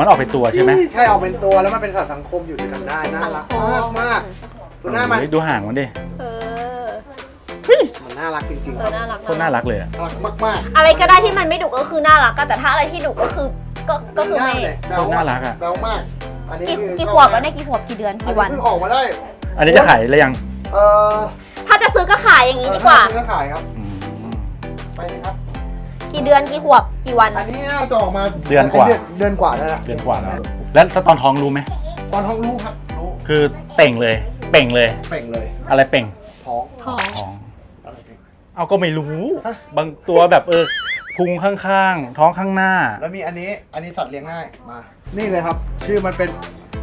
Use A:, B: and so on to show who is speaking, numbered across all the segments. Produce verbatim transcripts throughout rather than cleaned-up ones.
A: มันออกเป็นตัวใช่ไหม
B: ใช่ออกเป็นตัวแล้วมันเป็นสัตว์สังคมอยู่ด้วยกันได้น่ารักมากมากตัวหน้ามัน
A: ดูห่างมันดิ
C: เออ
B: มันน่ารักจริงๆ
C: เออน่ารัก
A: คนน่ารักเลยอะ
B: น่ารักมากมาก
C: อะไรก็ได้ที่มันไม่ดุก็คือน่ารักแต่ถ้าอะไรที่ดุก็คือก็ก็คือไม่
A: คนน่ารักอ่ะ
B: เดามากอันนี้
C: กี่กี่ขวบแล้วเนี่ยกี่ขวบกี่เดือนกี่วัน
B: เพิ่งออกมาได้
A: อันนี้จะขายแล้วยัง
B: เออ
C: ถ้าจะซื้อก็ขายอย่างนี้ดีกว่า
B: ซื้อขายครับ
A: อืม
B: ไปเลยครับ
C: กี่เดือนกี่ขวบกี่วัน
B: อันนี้น่าจะออกมา
A: เดือนกว่า
B: เดือนกว่าแล้ว
A: เดือนกว่าแล้วแล้วตอนท้องรู้ไหม
B: ตอนท้องรู้ครับรู้
A: คือเป่งเลย เป่งเลย
B: เป่งเลย
A: อะไรเป่ง
B: ท้อง
C: ท้อง
A: ท้อง
B: อะไรเป่ง
A: เอาก็ไม่รู้
B: ฮะ
A: บางตัวแบบเออพุงข้างๆ ท้องข้างหน้า
B: แล้วมีอันนี้อันนี้สัตว์เลี้ยงง่ายมานี่เลยครับ ชื่อมันเป็น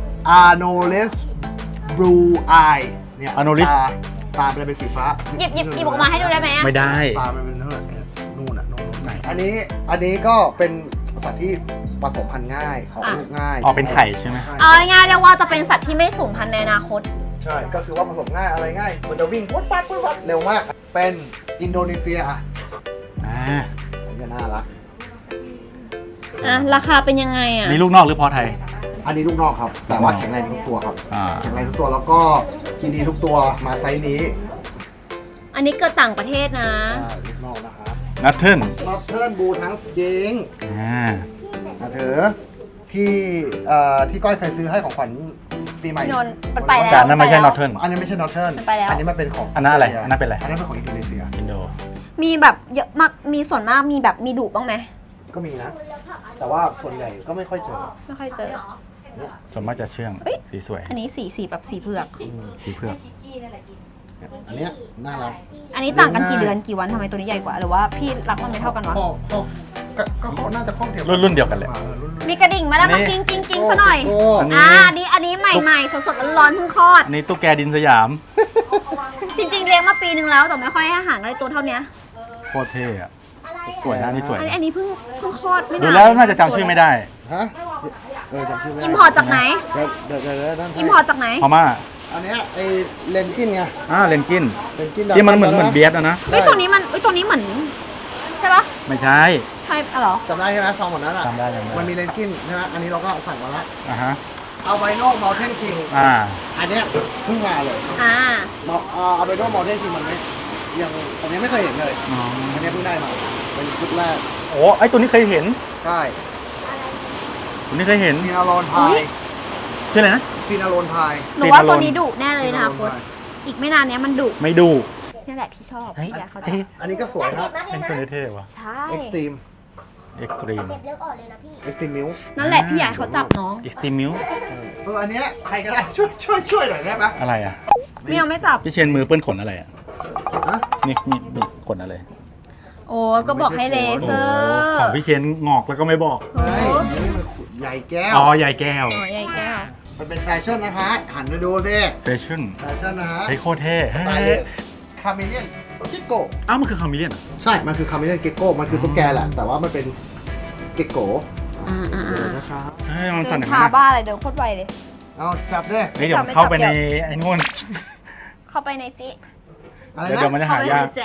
B: Anolis Blue Eye เนี่ย
A: Anolis
B: ตาตามันเป็นสีฟ้า
C: หยิบหยิบหยิบออกมาให้ดูได้ไหมอะ
A: ไม่ได้
B: ตามันเป็นเท่าไหร่นู่นอ่ะนู่น
A: ไหน
B: อันนี้อันนี้ก็เป็นสัตว์ที่ผสมพันธุ์ง่ายออกลูกง่าย
A: ออกเป็นไข่ใช่ไหม
C: เอาง่ายๆเรียกว่าจะเป็นสัตว์ที่ไม่สูญพันธุ์ในอนาคต
B: ใช่ก็คือว่าผสมง่ายอะไรง่ายมันจะวิ่งปุ๊บปั๊บปุ๊บปั๊บเร็วมากเป็นอินโดนีเซียอ่ะ
A: อ่า
B: อันนี้น่ารัก
C: อ่ะราคาเป็นยังไงอ่ะ
A: นี่ลูกนอกหรือพอไทย
B: อันนี้ลูกนอกครับ แต่ว่าแข็งแรงทุกตัวครับ
A: อ่า
B: แข็งแรงทุกตัวแล้วก็กินดีทุกตัวมาไซส์นี้
C: อันนี้เกิดต่างประเทศนะ
B: อ่าลูกนอกนะครับ
A: นัทเทิล
B: นอตเทิร์นบูทั้งเยิง
A: อ่า
B: นะเถอที่เอ่อที่ก้อยเคยซื้อให้ของขวัญปีใหม่
C: พี่นนท์มันไปแล้ว
A: จานนั้นไม่ใช่นอทเทิล
B: อันนี้ไม่ใช่นอตเทิร์น
C: มันไปแล้ว
B: อันนี้มันเป็นของ
A: อันนั้นอะไร
B: เซีย
A: อันนั้นเป็นอะไร
B: อันนั้นเป็นของอินโดนีเซีย
A: อินโด
C: มีแบบเยอะมากมีส่วนมากมีแบบมีดุบ้างไหม
B: ก็มีนะ แต่ว่าส่วนใหญ่ก็ไม่ค่อยเจอ
C: ไม่ค่อยเจอ
A: ส่วนมากจะเชื่อง
C: เอ้ย
A: สีสวย
C: อันนี้สีสีแบบสีเผือก
A: สีเผือก
B: อันเนี้ยน่ารัก
C: อันนี้ต่างกันกี่เดือนกี่วันทำไมตัวนี้ใหญ่กว่าหรือว่าพี่รักมันไม่เท่ากันวะ
B: ข้อข้อก็ก็ข้อน่าจะข้อเดียว
A: รุ่นรุ่นเดียวกันเลย
B: ออรุ่น
C: มีกระดิ่งมาแล้ว
A: อั
C: มาน
A: นี้
C: กิ้งกิ้งกิ้งซะหน่อย
B: โอ้
A: อันนี้
C: อ่าอันนี้อันนี้ใหม่ๆสดๆร้อนๆเพิ่งคลอด
A: อันนี้ตุ๊กแกดินสยาม
C: จริงๆเลี้ยงมาปีนึงแล้วแต่ไม่ค่อยให้อาหารอะไรตัวเท่านี้
A: โคตรเท่อะสวยนะอันนี่สวย
C: อันนี้อันนี้เพิ่งเพิ่งคลอดไม่นาน
A: ดูแล้วน่าจะจำชื่อไม่ได้
B: ฮะเออจำชื่อไม่ได้
C: อิมพอร์ตจากไหน
B: เดี๋ยวเดี๋ยวเดี๋ยวเดี๋ยวนั่นให้
C: อิมพอร์ตจากไหน
A: พม่า
B: อันเนี้ยไอเลนกินไง
A: อ่าเลนกิน
B: เลนกิน
A: ที่มันเหมือนเหมือนเบียสอะนะ
C: เฮ้ยตัวนี้มันเฮ้ยตัวนี้เหมือนใช่ปะ
A: ไม่ใช่
C: ใช่อะเหรอ
B: จำได้ใช่ไหมซองหมดนั้นอ่ะ
A: จำได้จำได้
B: มันมีเลนกินใช่ไหมอันนี้เราก็สั่งมาแล้ว
A: อ่าฮะ
B: เอาไบโนมอลเทนคิง
A: อ่า
B: อันเนี้ยเพิ่งมาเลย
C: อ่า
B: เอาไบโนมอลเทนคิงมันไม่ยังอันนี้ไม่เคยเห็นเลย
A: อ๋อ
B: อันนี้เพิ่งได้มาเป็นชุดแรก
A: โอ้ไอตัวนี้เคยเห็น
B: ใช่
A: ตัวนี้เคยเห็น
B: ซีนาโรนพาย
A: ชื่ออะไรนะ
B: ซีนาโรนพาย
C: หนูว่าตัวนี้ดุแน่เลยนะคะโค้ชอีกไม่นานเนี้ยมันดุ
A: ไม่ดู
C: นี่แหละพี่ชอบ
A: เฮ้ย
C: พี่อยากเขาจะ
A: เอ้ย
B: อันนี้ก็สวยนะ
A: เป็นตัวนี้เท่ว่ะ
C: ใช่
B: เอ็กซ์ตรีม
A: เอ็กซ์ตรีม
B: เอ็กซ์ตรีมมิว
C: นั่นแหละพี่อยากให้เขาจับน้อง
A: เอ็กซ์ตรีมิว
B: เอออันเนี้ยใครก็ได้ช่วยช่วยช่วยหน่อยได้ไหม
A: อะไรอ่ะ
C: ไม่เอาไม่จับ
A: พี่เชนมือเปื้อนขนอะไรอ่ะ
B: ฮะ
A: นี่นี่นี่ขนอะไร
C: โอ้ก็บอกให้เลเซอ
A: โอ้
C: ร์
A: ของพี่เชนงอกแล้วก็ไม่บอก
B: เฮ้ยนี่มันใหญ่แก้ว
A: อ๋อใหญ่แก้ว
C: หัวใหญ่แก้ว
B: มันเป็นแฟชั่นนะคะหันมาดูสิ
A: แฟชั่น
B: แฟชั่นนะฮะ
A: เฮ้ยโคตรเท่
B: ส
A: เฮ้
B: ไตล์
A: ย
B: คาเมเลียนกิโก
A: อ้าวมันคือคามิเลียนเหรอ
B: ใช่ มันคือคาเมเลียนเกโก้ มันคือตุ๊กแกแหละ แต่ว่ามันเป็นเกโก้
C: อ่าอ่า
B: เดี๋ยว
C: อ่า
B: นะครับ
A: เฮ้ยมัน
C: เดิ
A: สั่น
C: น
A: อย่าง
C: ช้า
A: นั้น
C: บ้าอะไรเดินโคตรไวเลย
B: เอาจับด้วย
A: เฮ้ยเดี๋ยวเข้าไปในไอ้นู่น
C: เข้าไปในจิ
B: อะไร
A: เดี๋ยว
B: นะ
A: เดี๋ยวมันจะ
C: เข้า
A: หา
C: ไปใน
A: ยาก
C: แจ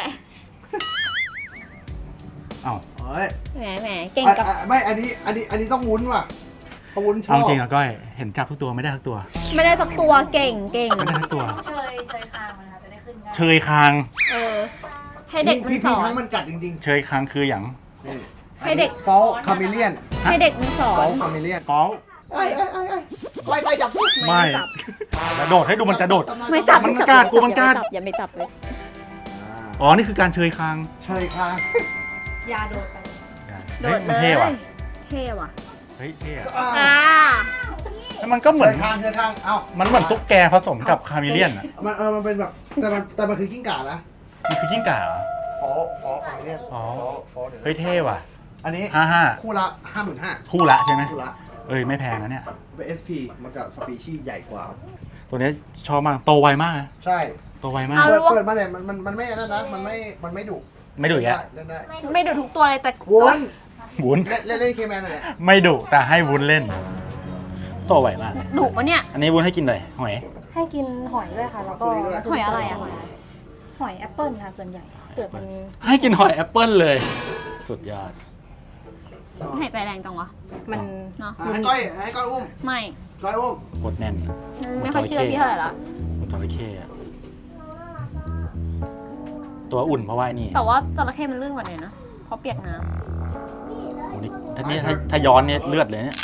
A: อ้าว
B: เฮ้ย
C: แหมแหมเก่ง
B: อ่ะ
C: กับ
B: อ่ะไม่ อันนี้ อันนี้ อันนี้ต้องวุ้นว่ะต้องวุ้นชอ
A: เอา
B: บ
A: จริงอะก้อยเห็นจับทุกตัวไม่ได้ทุกตัว
C: ไม่ได้สักตัวเก่งเก่ง
A: ไม่ได้ทุกตัว
D: เชยเชยคางมันค่ะจะได้ขึ้นง่าย
A: เชยคาง
C: เออ ให้เด็กมัน
B: พี่
C: ส
B: พี่
C: อ
B: ทั้
C: น
B: งมันกัดจริง
A: เชยคางคืออย่าง
B: ๆนี่
C: ให้เด็ก
B: ฟอลคาเมเลียน
C: ให้เด็กมันสอ
B: ฟอน ลคาเมเลียน
A: ฟอล
B: ไอ้ไอ้ไอ้ไอ้ไล่ไล่จับพี่
A: ไม่
C: จับ
A: กระโดดให้ดูมันจะโดด
C: ไม่จับ
A: มัน
C: ไจับ
A: กล้ากลัวมันกล้า
C: อย่าไปจับเลย
A: อ๋อ นี่คือการเชยคาง
B: เชยคาง
D: ยาโดดไป
C: โด
A: ฮ้ย
C: ด
A: มั
C: เล
A: น
C: ย
A: เท่ว่ะ
C: เท่ว่ะ
A: เฮ้ยเท่อะ
C: อ่า
A: แล้วมันก็เห
B: เช
A: มือน
B: ยคางเชยคาง เอ้า
A: มันเหมือนตุ๊กแกผสมกับคาเมเลียนอะ
B: มันเออ มันเป็นแบบ แต่มันแต่มันคือกิ้งก่านะ
A: มันคือกิ้งก่าเหรอ
B: ฟอลฟอลคาเมเลียน
A: อ๋อ
B: ฟอลฟอลเดี๋ยว
A: เฮ้ยเท่ว่ะ
B: อันนี้
A: ห้าห้า
B: คู่ละห้าหมื่นห้า
A: คู่ละใช่ไหม
B: คู่ละ
A: เอ้ยไม่แพงนะเนี่ย
B: เป็น เอส พี มันจะสปีชีส์ใหญ่กว่า
A: ตัวนี้ชอบมาก โตไวมากนะ
B: ใช่
A: โตไวมาก
C: เอา
B: เปิด
C: ลูก
B: เปิดมาเนี่ยมันมันมันไม่นั่นนะ มันไม่ มันไม่ดุ
A: ไม่ดุแยะ
B: เล่นได้
C: ไม่ดูทุกตัวเลยแต่
B: วุ้น
A: วุ้น
B: เล่นเล่นเล่นเคแมนหน่อยเนี่ย
A: ไม่ดุแต่ให้วุ้นเล่น โตไวมาก
C: ดุปะเนี่ย
A: อันนี้วุ้นให้กินเลยหอย
D: ให้กินหอยด้วยค่ะ แล้วก็
C: หอยอะไรอะ
D: หอยแอปเปิลค่ะส่วนใหญ่เปลือกมัน
A: ให้กินหอยแอปเปิ้ลเลย สุดยอด
C: หายใจแรงจังวะ
D: มัน
C: เนาะ
B: อ่ะให้ก้อยให้ก้อยอุ้ม
C: ไม่
B: ก้อยอุ้ม
A: โคตรแน่น
C: ไม่ค่อยเชื่อพี่เท่าไหร่ละ
A: จระเข้อะตัวอุ่นเพราะว่าไอ้นี่
C: แต่ว่าจระเข้มันลื่นกว่าเนี่ยนะเพราะเปียกน้
A: โอ้นี่ถ้านี่ถ้าถ้าย้อนเนี่ยเลือดเลยเนี่ย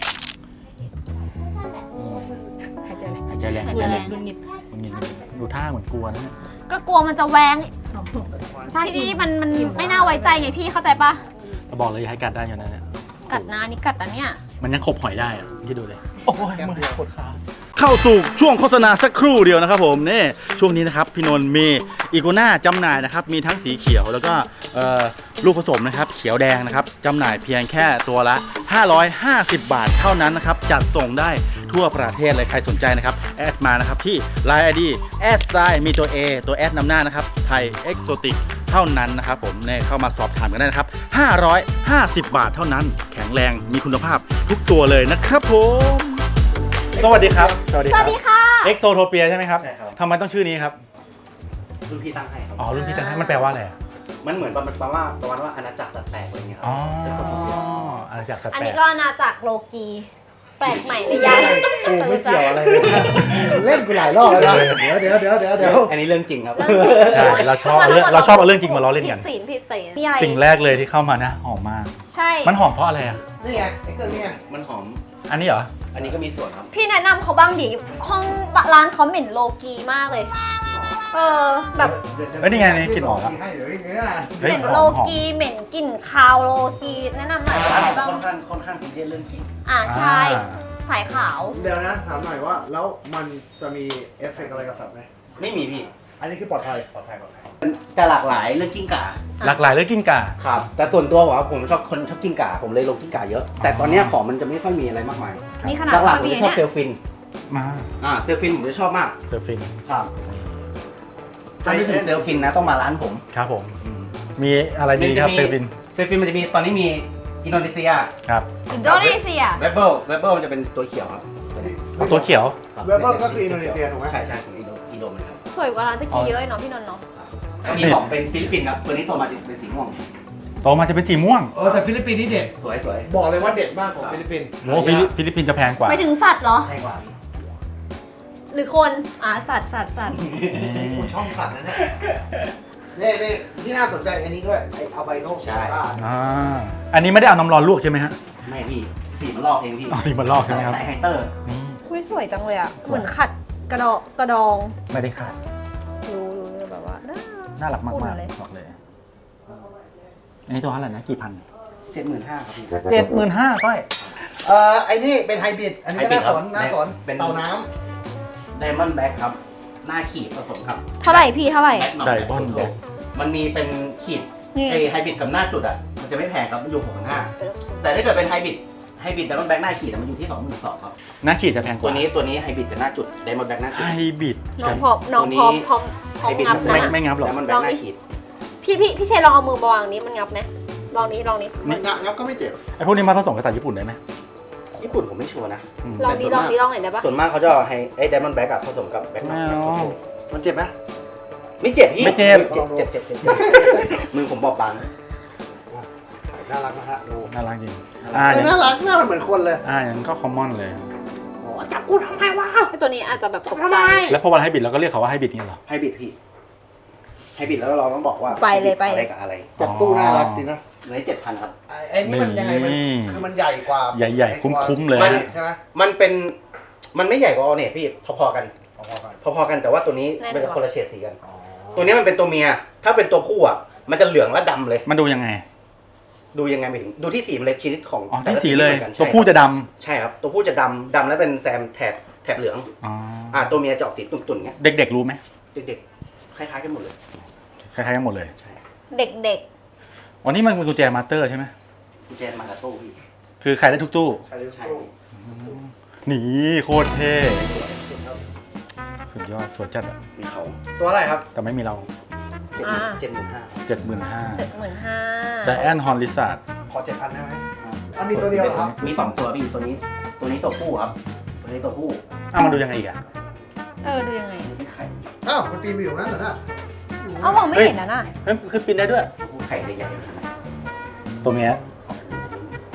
A: อืม
D: หายใจแรง
A: หายใจแรง
C: ำ
A: หายใจแรง
D: รุนนิด
A: มันเงี้ยดูท่าเหมือนกลัวนะเนี่ย
C: ก็กลัวมันจะแหวงที่นี่มันมันไม่น่าไว้ใจไงพี่เข้าใจปะ
A: เราบอกเลยอย่าให้กัดได้อยู่นะเนี่ย
C: กัดนานี่กัดอันเนี้ย
A: มันยังขบหอยได้อะคิดดูเลยโอ้ยมือปวดขาเข้าสู่ช่วงโฆษณาสักครู่เดียวนะครับผมนี่ช่วงนี้นะครับพี่นนท์มีอีโกน่าจำหน่ายนะครับมีทั้งสีเขียวแล้วก็เอ่อลูกผสมนะครับเขียวแดงนะครับจำหน่ายเพียงแค่ตัวละห้าร้อยห้าสิบบาทเท่านั้นนะครับจัดส่งได้ทั่วประเทศเลยใครสนใจนะครับแอดมานะครับที่ ไลน์ ไอ ดี แอดไซน์มีตัว A ตัวแอดนำหน้านะครับไทยเอ็กโซติกเท่านั้นนะครับผมเนี่ยเข้ามาสอบถามกันได้นะครับห้าร้อยห้าสิบบาทเท่านั้นแข็งแรงมีคุณภาพทุกตัวเลยนะครับผมสวัสดีครับสวัสดี
C: ส
A: ครั
C: วั
A: บ
C: สดีค่ะ
A: เอ็กโซโทเปียใช่ไหมครับ
E: ใช่ครับ
A: ทำไมต้องชื่อนี้ครับ
E: รุ่นพี่ตั้งให้ครับ
A: อ๋อ รุ่นพี่ตั้งให้มันแปลว่าอะไรอะ
E: มันเหมือนประมาณว่าประมาณว่าอาณาจักรสัตว์แปลกอะไรเงี้ยครั
A: อ๋อ
E: เป็นสมมติ
A: อาณาจักรสัตว์
C: อัน
A: แปล
C: นี้
A: ก
C: ก็นาจากโลกี แปลกใหม่ในย่าน
B: กูไม่เกี่ยวอะไรเลยเล่นกูหลายรอบแล้วนะเดี๋ยวเดี๋ยวเดี๋ยวเดี๋ยวเดี๋ยว
E: อันนี้เรื่องจริงครับ
A: ใช่เราชอบเอาเรื่องเราชอบเอาเรื่องจริงมาล้อเล่น
C: ผิ
A: กั
C: ด
A: น
C: ศีลผิดศีลมีอะไร
A: สิ่งแรกเลยที่เข้ามานะหอมมาก
C: ใช่
A: มันหอมเพราะอะไรอ่ะ
B: นี่ไงไอ้เครื่องนี้ไง
E: มันหอม
A: อันนี้เหรอ
E: อันนี้ก็มีส่วนครับ
C: พี่แนะนำเขาบ้างดิห้องร้านเขาเหม็นโลกีมากเลย เออแบบ
A: เฮ้ยนี่ไงนี่กลิ่นออกแล้ว
B: ให้เดี๋ยวอย่างเงี้ย
A: เฮ้ย
C: เหม็น
A: หอม
C: โล
A: หอม
C: กีเหม็นกลิ่นคาวโลกีแนะนำหน่อยว่าอะไรบ้าง
E: ค่อนข้างค่อนข้างซีเรียสเรื่องกลิ่น
C: อ่าใช่
A: อ่า
C: สายขาว
B: เดี๋ยวนะถามหน่อยว่าแล้วมันจะมีเอฟเฟกต์อะไรกับสัตว์ไหม
E: ไม่มีพี่
B: อันนี้คือปลอดภัย
E: ปลอดภัยปลอดภัยมันจะหลากหลายเรื่องกิ้งก่า
A: หลากหลายเรื่องกิ้งก่า
E: ครับ แต่ส่วนตัวผมว่าผมชอบคนชอบกิ้งก่า ผมเลยลงกิ้งก่าเยอะ แต่ตอนเนี้ยของมันจะไม่ค่อยมีอะไรมากมาย
C: นี่ขนาด
E: หลัก
C: ว่า
E: ๆผม
C: มี
E: จะชอบ
C: เนี่ย
E: เซลฟิน
A: มา
E: อ่า เซลฟินผมจะชอบมาก
A: เซอร์ฟิน
E: ครับถ้าไม่ถึงเซลฟินนะต้องมาร้านผม
A: ครับผม มีอะไรดีครับเซอร์ฟิน
E: เซลฟินมันจะมีตอนนี้มีอินโดนีเซีย
A: ครับ
C: อินโดนีเซีย
E: เวเบิลเวเบิลมันจะเป็นตัวเขียวครับ
A: เอาตัวเขียว
E: ครับ
B: เวเบิลก็คืออินโดนีเซียถูกไหม
E: ใช่ใช่ของอินโดอินโดเหมือนกัน
C: สวยกว่าร้านตะกี้เยอะเลยเนาะพี่นนท์เนาะ
E: มีของเป็นฟิลิปปินส์ครับ ตัวนี้โตมาจะเป็นสีม่วง
A: โตมาจะเป็นสีม่วง
B: เออแต่ฟิลิปปินส์นี่เด็ด
E: สวยสวย
B: บอกเลยว่าเด็ดมากของฟิลิปปินส์
A: โอ้ฟิลิปฟิลิปปินส์จะแพงกว่า
C: ไปถึงสัตว์เหรอ
E: แพงกว่าพี่
C: หรือคน อ่าสัตว์สัตว์สัตว์
B: คุณช่องสัตว์นะเนี่ยนี่นี่ที่น่าสนใจอันนี้ด้วยไอ้อัลไบโน
E: ใช่
A: อ่า อันนี้ไม่ได้เอาน้ำร้อนลวกใช่ไหมฮะ
E: ไม่พี่ สีมันลอกเองพี่
A: เอาสีมันลอกใช่ไหมครับ
E: ใส่ไฮเตอร์
A: นี่
C: คุยสวยจังเลยอ่ะ
A: สวย
C: เหมือนขัดกระดองกระดอง
A: ไม่ได้ขาด
C: ดูดูแบบว่าน่า
A: น่ารักมาก
C: อุ่
A: มาก
C: นเลย
A: บอกเลย อันนี้ตัวเท่าไหร่นะ กี่พัน
E: เจ็ดหมื่นห้าครับพี่
A: เจ็ดหมื่นห้าก้อย
B: เอ่อไอ้นี่เป็นไฮบริดอันนี้ก็น่าสนน่าสน
E: เป็น
B: เต่าน้
E: ไดมอนด์แบ็คครับ หน้าขีดผสมครับ
C: เท่าไหร่พี่เท่าไหร่
E: แบ็คหน่อย
A: Diamond Black
E: มันมีเป็นขีด
C: นี่
E: ไอไฮบริดกับหน้าจุดอ่ะ มันจะไม่แพงครับ มันอยู่หกพันห้าแต่ถ้าเกิดเป็นไฮบริด ไฮบริดไดมอนด์แบ็คหน้าขีดอะมันอยู่ที่สองหมื่นสองครับ
A: หน้าขีดจะแพงก
E: ตัว
A: ว่า
E: นี้ตัวนี้ไฮบริดกับหน้าจุดไดมอนด์แบ็คหน้า
A: ไฮ
E: ขีด
A: บริด
C: น้องพร้อมน้องพร้อมพร้อมพร้อมงับ
A: ไม่
C: นะ
A: ไม่งับหรอก
E: ไดมอนด์แบ็คหน้าขีด
C: พี่พี่พี่เชยลองเอามือมาวางนี้มันงับไหมลองนี้ลองนี้
B: ำงับงับก็ไม่เจ็บ
A: ไอพวกนี้มาผสมกับสายญี่ปุ่นได้ไหม
E: ญี่ปุ่นผมไม่ชัวร์นะ
A: อืม
C: ลองนี้ลองนี้ลองไหนอยได้ปะ
E: ส่วนมากเขาจะเอาให้ไอ้ไดมอนด์แบ็กอะผสมกับแบ็ค
A: ไม่เอา
B: มันเจ็บไหม
E: ไม่เจ็บพี่
A: ไม่เจ็บ
E: เจ็บเจ็บเจ็บเจ็บมือผมบอบบาง
B: น่ารักนะฮะดู
A: น่ารักจริง อ่า
B: เอ
A: อ
B: อย่าง น่ารักน่ารักเหมือนคนเลย
A: อ่าอย่างนั้นก็คอมมอนเลย
B: โอ้จับกูทำไมวะ
C: ไอตัวนี้อาจจะแบบตกใจ
A: แล้วพอวันไฮบริดเราก็เรียกเขาว่าไฮบริดนี่เหรอ
E: ให้บิดพี่ ให้บิดแล้วเราต้องบอกว่า
C: ไปเลยไป
E: อะไรกับอะไร
B: จับตู้น่ารักดีนะ
E: เลยเจ็ดพันครับ
B: ไอ้ไอ้นี่มันยังไงมัน
A: นี่
B: คือมันใหญ่กว่า
A: ใหญ่ๆคุ้มๆเลย
E: มัน
B: ใช่ไหม
E: มันเป็น มันไม่ใหญ่กว่าออเนตพี่ พอๆกัน
B: พอๆกัน
E: พอๆกันแต่ว่าตัวนี้
C: แน่นกว่า
E: เป็นคนละเฉดสีกัน
B: อ๋อ
E: ตัวนี้มันเป็นตัวเมีย ถ้าเป็นตัวผู้อ่ะ มันจะเหลืองและดำเลย
A: มันดูยังไง
E: ดูยังไงไม่ถึง ดูที่สีมันเลยชนิดของ
A: อ๋อ
E: แต่
A: ที่
E: ละ
A: สีเลย
E: ไม่หมือนกัน
A: ตัวผู้จะด
E: ใช่ครับ ตัวผู้จะดำดำแล้วเป็นแซมแถบแถบเหลือง
A: ำอ๋อ
E: อ่า ตัวเมียจะออกสีตุ่นๆเงี้ย
A: เด็กๆรู้ไหม
E: เด็กๆ คล้ายๆกันหมดเลย
A: คล้ายๆกันหมดเลย
C: เด็กเด็ก
A: อ๋อนี่มันเป็นกุญแจมาสเตอร์ใช่ไหม
E: กุญแจมากับตู้พี่
A: คือขายได้ทุกตู้
B: ใช่หรือ
E: ใช่
B: เปล่า
A: นี่โคตรเท่สุดยอดสวยจัดอะ
E: มีเขา
B: ตัวอะไรครับ
A: แต่ไม่มีเรา
E: เจ็ดเจ็ดหมื่นห้า
A: เจ็ดหมื่นห้า
C: เจ็ดหมื่นห้า
A: จแอนฮอนลิซาร์ด
B: ขอเจ็ดพันได้ไหมอันนี้ตัวเดียวเหรอครับ
E: มีสองตัวพี่ตัวนี้ ตัวนี้ตัวผู้ครับ ตัวนี้ตัวผู้
A: อ้าวมันดูยังไงอีกอะ
C: เออดูยังไง
E: ตัวนี้ไข่
B: อ้าวมันปีนไปอยู่นั่นเหรอน่ะ
C: เอ้ามองไม่เห็นนะน่ะ
A: เฮ้ยคือปีนได้ด้วย
E: ตัวผู้ไข่ใหญ่ๆขนาด
A: ตัวเมีย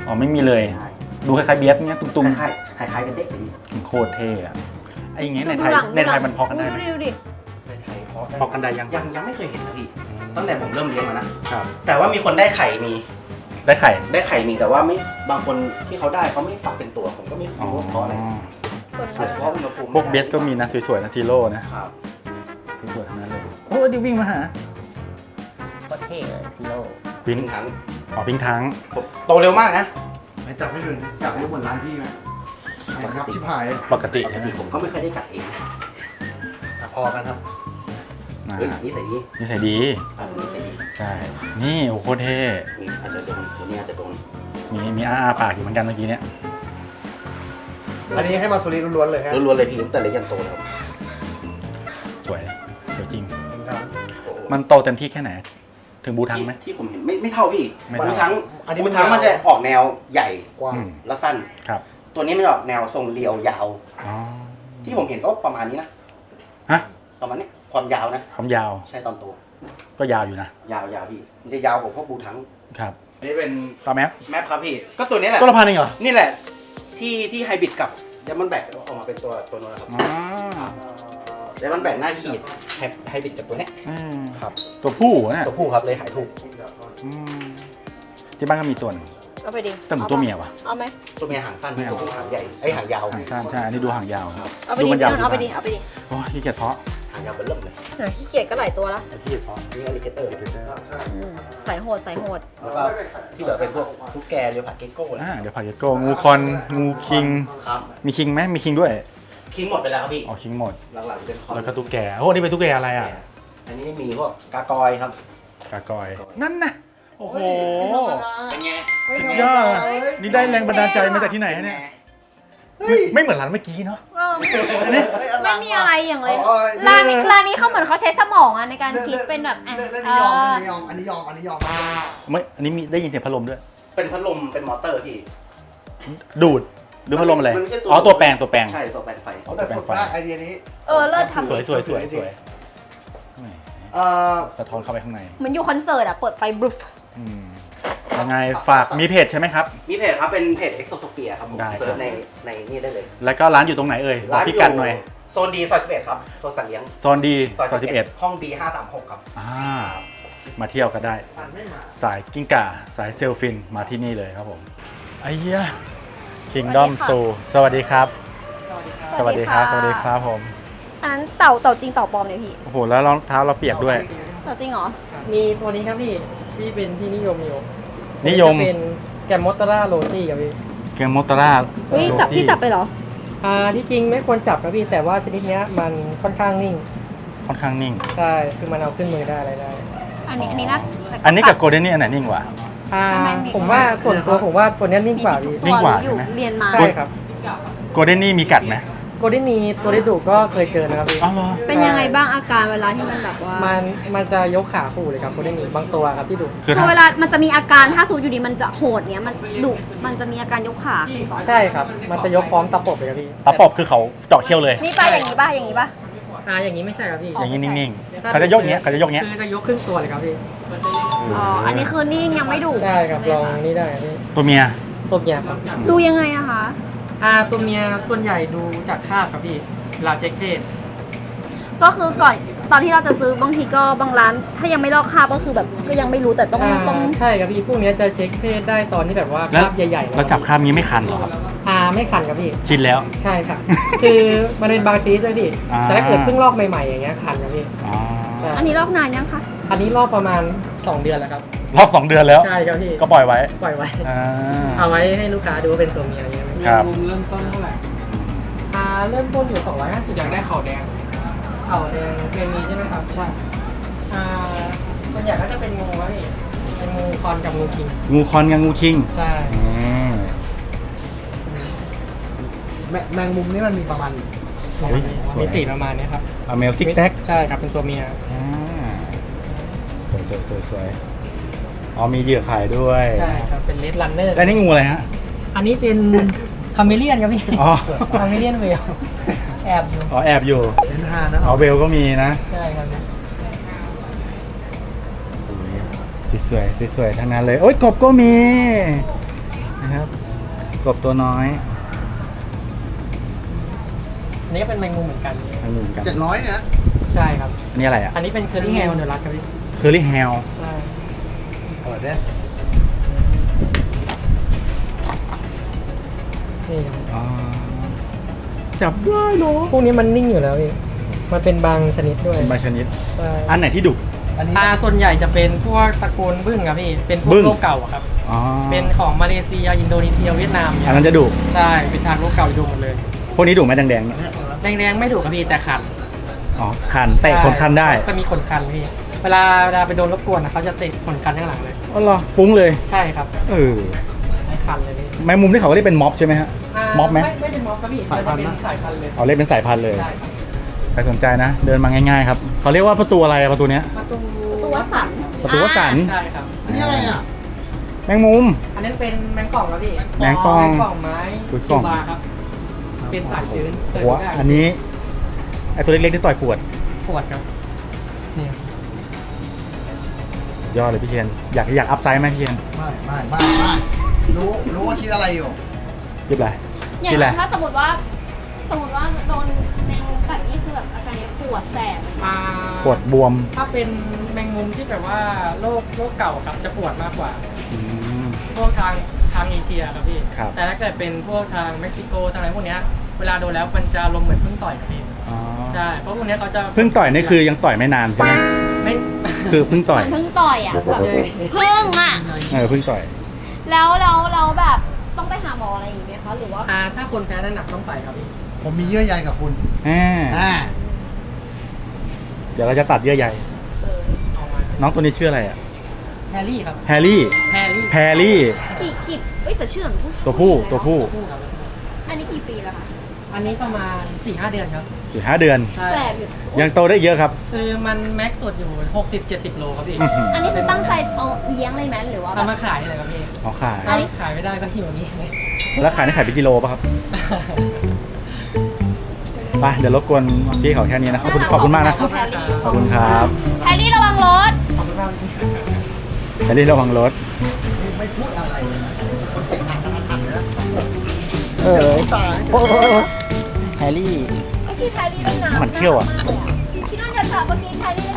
A: อ๋อไม่มีเลย ดูคล้ายๆเบียสเงี้ยตุ้ม
E: คล้ายๆคล้ายๆกันเด็กเลยพี่
A: ๆโคตรเท่อะไอ้อย่างเงี้ยใน
C: ดู
A: ไทย
C: หลัง
A: ในไทยมันพอกันได้
C: ดู
A: ไหม
C: ดิดูดิ
E: ในไทยเพาะ
A: พอกันได้ยัง
E: ยังยังไม่เคยเห็นนะพี่ตั้งแต่ผมเริ่มเลี้ยงมานะครับ แต่ว่ามีคนได้ไข่มี
A: ได้ไข่
E: ได้ไข่มีแต่ว่าไม่บางคนที่เขาได้เขาไม่ฝักเป็นตัวผมก็ไม่
A: อ๋อ
E: รู้ว่าเพราะอะไร
C: ส่วน
E: ส่วนเพราะอุณหภูมิ
A: พวกเบียสก็มีนะสวยๆนะซีโร่นะครับ สวยๆทั้งนั้นเลยโอ้ดิวิ่งมาหา
E: ก็เท่เลยซีโร่
A: วิน
E: พิงทั้ง
A: อ๋อพิงทั้ง
E: ผมโตเร็วมากนะ
B: ไม่จับไม่ถึงจับไม่เหมือนร้านพี่ไหมไม่ครับชิบหาย
A: ปกติ
E: ปก
A: ใช่ไหม
E: ติผมก็ไม่เคยได้กัดเอง
B: อ่ะพอกันครับ
A: อ่า
E: เฮ้ยนี่ใส่ดี
A: นิสัยดี
E: อันนี้ใส่ดี
A: ใช่ นี่โอ้โคตรเท่
E: มีอาจจะโดนตัวนี้อาจจะโดน
A: มีมีอ้าอาปากอยู่เหมือนกันเมื่อกี้เนี้ย
B: อันนี้ให้มาสุริล้วนๆเลยฮะ
E: ล้วนๆเลยพี่ตั้งแต่เล็กยันโตแล้ว
A: สวย สวยจริง
B: ถึงทาง
E: โอ้โห
A: มันโตเต็มที่แค่ไหน ถึงบูทังไหม
E: ที่ผมเห็นไม่ไม่เท่าพี่
A: ไม่
E: บา
A: เท่า
E: งครั้ง
B: อันนี้
E: บา
B: มัน
E: งครั้งมันจะออกแนวใหญ่
B: กว้าง
A: อืม
E: และสั้น
A: ครับ
E: ตัวนี้มันออกแนวทรงเรียวยาว
A: อ๋อ
E: ที่ผมเห็นก็ประมาณนี้นะ
A: ฮะ
E: ประมาณนี้ความยาวนะ
A: ความยาว
E: ใช่ตอนโต
A: ก็ยาวอยู่นะ
E: ยาวยาวพี่มันจะยาวกว่าพวกบูทั้ง
A: ครับ
E: นี่เป็น
A: ตาแมป
E: แมปครับพี่ ก็ตัวนี้แหละ
A: ก็ละพันเองเหรอ
E: นี่แหละ ที่ที่ไฮบริดกับเดมอนแบกออกมาเป็นตัวตัวนู้นนะครับ
A: อ๋อ
E: เดมอนแบกหน้าขีดไฮบริดกับตัวเนี้ย
A: อืม
E: ครับ
A: ตัวผู้เนี่ย
E: ตัวผู้ครับเลยขายถูก
A: อืมที่บ้านก็มีตัวหนึง
C: เอาไปดิ
A: แต่เหมือนตัวเมียว่ะ
C: เอาไหม
E: ตัวเมียหางสั้น
A: ไม่เอา
E: ตัวผู้หางใหญ่ไอยหางยาว
A: หางสั้นใช่ อันนี้ดูหางยาวครับ
C: เอาไป
A: ดู
C: ดิ
A: มันยาว
C: เอาไปดิเอาไปดิ
A: โอ้ยขี้เกียจเพาะ
E: หางยาวเป็นเริ่มเลย
C: หน่อยขี้เกียจก็หลายตัวละ
A: ขี้เกียจเพาะ
E: นี่อลิเกเตอร์
C: อืมใส่โหดใส่โหด
E: แล้วก็ที่เหลือเป็นพวกทุกแกเรียวผัดเกโก้นะ
A: อ่าเดี๋ยวพาเกโก้งูคอน งูคิง
E: ครับ
A: มีคิงไหมมีคิงด้วย
E: คิงหมดไปแล้วครับพี่
A: อ๋อคิงหมด
E: หลังๆเป็นคอน
A: แล้วก็ตุ๊กแก โอ้ นี่เป็นตุ๊กแกอะไรอ่ะ
E: อันนี้มีพวกกากอยครับ
A: กากอย นั่นน่ะ โอ้โห
E: เป็นไง
A: สุดยอดอะนี่ได้แรงบันดาลใจมาจากที่ไหนฮะเนี่ย
B: เฮ้ย
A: ไม่เหมือนร้านเมื่อกี้เนาะ
C: เออ
B: นี่
C: ไม่มีอะไรอย่างเลย
B: อ๋อ
C: ร้านนี้ร้านนี้เขาเหมือนเขาใช้สมองอะในการคิดเป็นแบบอ่ะ
B: เล่น
C: เอ
B: นี้ยอม
C: อ
B: อันนี้ยอมอันนี้ยอมอันนี้ยอม
A: ไม่ อันนี้มีได้ยินเสียงพัดลมด้วย
E: เป็นพัดลมเป็นมอเตอร์พี่
A: ดูด หรือพัดลมอะไร
E: มันไม่ใช่ตัว
A: อ๋อ ตัวแปลง ตัวแปลง
E: ใช่ตัวแปลงไฟ
B: เอาแต่สุดมากไอเดียนี้
C: เออเลิศทำ
A: สวยสวยสวยสวยแหม
B: เอ่อ
A: สะท้อนเข้าไปข้างใน
C: เหมือนอยู่คอนเสิร์ตอะเปิดไฟบลูฟ
A: อืมยังไงฝากมีเพจใช่ไหมครับ
E: มีเพจครับเป็นเพจ Exotopia ครับผม
A: ได้ครับ
E: เซิร์ชในในนี่ได้เลย
A: แล้วก็ร้านอยู่ตรงไหนเอ่ยบอกพิกัดหน่อย
E: โซนดีซอยสิบเอ็ดครับโซนสัตว์เลี้ยง
A: โซนดีซอยสิบเอ็ด
E: ห้อง บี ห้าสามหกครับ
A: อ่า มาเที่ยวก็ได้
B: สันไม่มา
A: สายกิ้งก่า สายเซลฟิน มาที่นี่เลยครับผม ไอ้เหี้ย Kingdom Zoo สวัสดีครับ สวัสดีครับ สวัสดีครับผม
C: อันนั้นเต่าเต่าจริงเต่าปลอมเนี่ยพี่
A: โอ้โห แล้วรองเท้าเราเปียกด้วย
C: เต่าจริงเหรอ
F: มีตัวนี้ครับพี่ที่เป็นที่นิยมอยู่
A: นิยม
F: จะเป็นแกมมอตตาร่าโรซี่ครับพี่
A: เกมมอตตาร่า
C: เฮ้ยจับพี่จับไปเหรอ
F: อ่าที่จริงไม่ควรจับครับพี่แต่ว่าชนิดเนี้ยมันค่อนข้างนิ่ง
A: ค่อนข้างนิ่ง
F: ใช่คือมันเอาขึ้นมือได้อะไรได้
C: อันนี้อันนี้นะ
A: อันนี้กับโกลเด้นนี่อันไหนนิ่งกว่า
F: อ่า
C: ทำไมนิ่ง
F: ผมว่าส่วนตัวผมว่าตัวเนี้ยนิ่งกว่าพี่
A: นิ่งกว่า
C: อยู่
A: ใช่ไหม
C: เรียนมา
F: ใช่ครับ
A: โกลเด้นนี่มีกัดไหม
F: โกลเด้นนีตัวได้ดุก็เคยเจอนะครับพี่
A: อ๋อเหรอ
C: เป็นยังไงบ้างอาการเวลาที่มันแบบว่า
F: มันมันจะยกขาคู่เลยครับโกลเด้นนีบางตัวครับที่ดุ
A: คือ
C: คือ
A: ถ้า
C: เวลามันจะมีอาการถ้าสูดอยู่ดีมันจะโหดเนี้ยมันดุมันจะมีอาการยกขาขึ้นก่อน
F: ใช่ครับ มันจะยกพร้อมตะปบเลยครับพี่
A: ตาปอบคือเขาเจาะเขี้ยวเลย
C: นี่ป่ะอย่างนี้ป่ะอย่างนี้ป่ะ
F: อ่าอย่างนี้ไม่ใช่ครับพี่
A: อย่างนี้นิ่งๆ เขาจะยกอย่างเงี้ยเขาจะยกอย่างเงี้ย
F: คือจะยกครึ่งตัวเลยครับพี่
C: อ๋ออันนี้คือนิ่งยังไม่ดุ
F: ใช่ครับลองนี่ได้ครับพี่
A: ตัวเมีย
F: ตัวเมียครับ
C: ดูยังไงอะคะ
F: อ่าตัวเมียส่วนใหญ่ดูจากคราบครับพี่เวลาเช็คเพศ
C: ก็คือก่อนตอนที่เราจะซื้อบางทีก็บางร้าน ถ้ายังไม่ลอกคราบก็คือแบบก็ยังไม่รู้แต่ต้อง
F: อ่า
C: ต้อง
F: ใช่ครับพี่พวกเนี้ยจะเช็คเพศได้ตอนที่แบบว่าค
A: แล้ว
F: ราบใหญ่ๆ
A: แล้วจับคราบนี้ไม่คันเหรอครับ
F: อ่าไม่ขันครับพี่
A: ชินแล้ว
F: ใช่ครับ คือมันเป็นบางชนิดด้วยพี่
A: อ่า
F: แต่ถ้าเกิดเพิ่งลอกใหม่ๆอย่างเงี้ยขันครับพี่
A: อ๋อ
F: ใช่
C: อันนี้ลอกนานยังคะ
F: อันนี้ลอกประมาณสองเดือนแล้วครับ
A: รอบสองเดือนแล้ว
F: ใช่ครับพี่
A: ก็ปล่อยไว้
F: ปล่อยไว้
A: อ่า
F: เอาไว้ให้ลูกค้าดูว่าเป็นตัวเมียอย่างเงี้ย
A: ครับ
F: เริ่มต้นเท่าไหร่อ่าเริ่มต้นอยู่สองร้อยห้าสิบอยากได้เข่าแดงเข่าแดงเคมีใช่ไหมครับใช่อ่าส่วนใหญ่ก็จะเป็นงูครับพี่เป็นงูคอนกับงูคิง
A: งูคอนกับงูคิง
F: ใช่
A: อืม
B: แมแมงมุมนี่มันมีประมาณ
A: เฮ้ยสวย
F: มีสีประมาณเนี้ยครับ
A: เอาเมลซิกแซก
F: ใช่ครับเป็นตัวเมีย
A: อ่าสวยสวยสวยสวยอ๋อมีเหยื่อขายด้วย
F: ใช่ครับเป็นเลดรันเนอร์
A: แล้วนี่งูอะไรฮะ
F: อันนี้เป็นคาเมเลียนครับพี่
A: อ๋อ
F: คาเมเลียนเวลแอบอยู่
A: อ๋อแอบอยู่
B: เป็นฮานะ
A: อ๋อเบลก็มีนะ
F: ใช่ครับ
A: สวยสวยๆทั้งนั้นเลย โอ้ยกบก็มีนะครับกบตัวน้อย
F: อันนี้ก็เป็นแมงมุมเหมือนกัน
A: ทางหนึ่งกัน
B: เจ็ดร้อยเนี่ยนะ
F: ใช่ครับ
A: อันนี้อะไรอ่ะ
F: อันนี้เป็นเคอรี่แฮลเดอร์ลักครับพี่
A: เคอรี่แฮล
F: ใช่
B: เปิดได้
F: นี่ครับ
A: จับได้เหรอ
F: พวกนี้มันนิ่งอยู่แล้วพี่มันเป็นบางชนิดด้วย
A: เป็นใบชนิด
F: ใช่
A: อันไหนที่ดุ
B: อันนี้
F: อ่าส่วนใหญ่จะเป็นพวกตระกูลบึ้งครับพี่ เป็นพว
A: บึ้
F: ก
A: ง
F: โลกเก่าอะครับ
A: อ๋อ
F: เป็นของมาเลเซีย อินโดนีเซีย เวียดนามเนี่
A: อั
F: ย
A: นนั้นจะดุ
F: ใช่ เป็นทางโลกเก่าดูหมดเลย
A: พวกนี้ดุไหมแดงๆเนี่ย
F: แดงๆไม่ถูกครับพี่แต่ขัน
A: อ๋อคันเตะขนคันได้
F: จะมีขนคันพี่ เวลาเวลาไปโดนรบกวนนะเขาจะเตะขนคันข้างหลังเลย
A: อ๋อเหรอฟุ้งเลย
F: ใช่ครับ
A: เออ
F: ไอ้คันเลยพี่
A: แมงมุมที่เขาเรียกเป็นม็อบใช่ไหมฮะ
F: า
A: ม็อบไหม
F: ไม่ไม่เป็นม็อบครับพี่มันจะเป็นสายพันธุ์เลย
A: เอาเรียกเป็นสายพันธุ์เลย
F: ใช่ครับ
A: ใครสนใจนะ เดินมาง่ายๆครับเขาเรียกว่าประตูอะไรอะประตูเนี้ย
F: ประตู
C: ประตูวัดสัน
A: ประตูวัดสัน
F: ใช่ครับ
B: อันนี้อะไรอ่ะ
A: แมงมุม
F: อันนั้นเป็นแมงป่องครับพี่
A: แมงป่อง
F: แมงป่องไม้
A: อุ๊ยกล่อง
F: คิวบาร์ครับ เป็นสายชื้น
A: หัวอันนี้ไอตัวเล็กๆที่ต่อยปวด
F: ปวดครับเนี่ย
A: ยอดเลยพี่เชียนอยากอยากอัพไซด์ไหมพี่เชียน
B: ไม่ไม่ไม่ไม่รู้รู้ว่าคิดอะไรอยู่
A: ยิบอะไร
C: อย่าง
A: กินอะไร
C: นั้นถ้าสมมติว่า สมมติว่าโดนแมงมุมกัดนี่คือแบบอาการปวดแสบ
F: อ่า
A: ปวดบวม
F: ถ้าเป็นแมงมุมที่แบบว่าโรคโรคเก่าครับจะปวดมากกว่า
A: อืม
F: พวกทางทางเอเชียครับพี่
A: ครับ
F: แต่ถ้าเกิดเป็นพวกทางเม็กซิโกทางอะไรพวกเนี้ยเวลาโดนแล้วมันจะลมณ์เหมือนเพิ่งต่อยครับพี่
A: อ๋อ
F: ใช่เพราะพวกเนี้ยเขาจะ
A: เพิ่งต่อยนี่คือยังต่อยไม่นานใช่ไหม
F: ไม่
A: คือเพิ่งต่อย
C: มันเพิ่งต่อยอ่ะแบบ
F: ใช่
C: เพิ่งอ่ะ
A: เออเพิ่งต่อย
C: แล้วแล้วแล้วแบบต้องไปหาหมออะไรอย่างเงี้ยคะหรือว่า
F: อ่าถ้าคนแพ้น้ำหนักต้องไปครับพี่
B: ผมมีเยื่อใยกับคุณ
A: อ่า
B: อ่า
A: เดี๋ยวเราจะตัดเยื่อใย
C: เออ
F: เอามา
A: น้องตัวนี้ชื่ออะไรอ่ะ
F: แฮร์รี่ครับ
A: แฮร์รี่
F: แฮร์รี่
A: แพรรี่
C: กี่กี่เอ้ยแต่ชื่อเหมือนผู้ชาย
A: ตัวผู้ตัวผู้
F: คู่ครับ
C: อันนี้กี่ปีแล้วคะ
F: อันนี้ประมาณสี่ห้าเดือนครับ
A: อยู่ห้าเดือน
F: ใช่
C: แสบอยู่
A: ยังโตได้เยอะครับ
F: คือมันแม็กซ์สุดอยู่หกสิบเจ็ดสิบโลครับพี่
A: อื้อหือ
C: อันนี้คือตั้งใจเอาเลี้ยงเลยไหมหรือว่าแบ
F: เอา
C: บ
F: มาขายเลยครับพี่
A: เอาขาย
C: อันนี้
F: ขายไม่ได้ก็หิวนี้เลย
A: แล้วขายนี่ขายเป็นกิโลป่ะครับไปเดี๋ยวรบกวนพี่เขาแค่นี้นะขอบคุณขอบคุณมากนะ
C: ขอบคุณแฮร์รี่
A: ขอบคุณครับ
C: แฮร์รี่ระวังรถ
F: ขอบคุณมากพี่
A: แฮร์รี่ระวังรถ
B: ไม่พูดอะไรเลยนะคนเก่งหันหันหันเลยนะ
A: เออ
B: ตาย
A: โอ้โหแฮร์รี่
C: เมื่อกี้แฮร์รี่เล่นน้ำ
A: มันเขี้ยวอะ
C: พี่นุ่นจะถามเมื่อกี้แฮร์รี่เล่น